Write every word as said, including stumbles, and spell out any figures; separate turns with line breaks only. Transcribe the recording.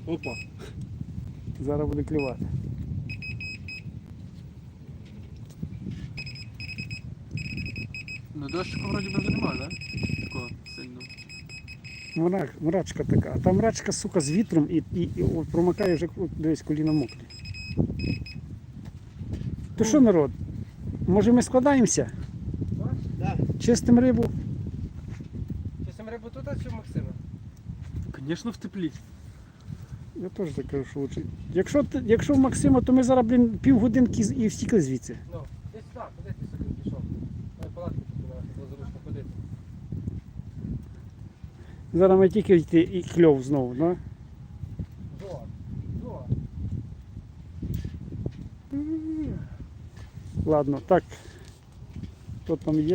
Опа.
Зараз буде клювати.
Ну дощику вроді би вже немає, так? Такого сильного.
Мрак, мрачка така. А там мрачка, сука, з вітром і, і, і от промокає вже от, десь коліна мокрі. То що, народ? Може ми складаємося?
Да.
Чистим рибу?
Чистим рибу тут, а чи в Максима?
Звісно, в теплі.
Я теж так кажу, що лучше. Якщо, ти- якщо в Максима, то ми зараз, блін, півгодинки з- і втікли звідси.
Ну, десь так, куди ти собі пішов? Дай палатку тут було зручно ходити.
Зараз ми тільки йти і кльов знову, да?
Зо, зо.
Ладно, так. Хто там є?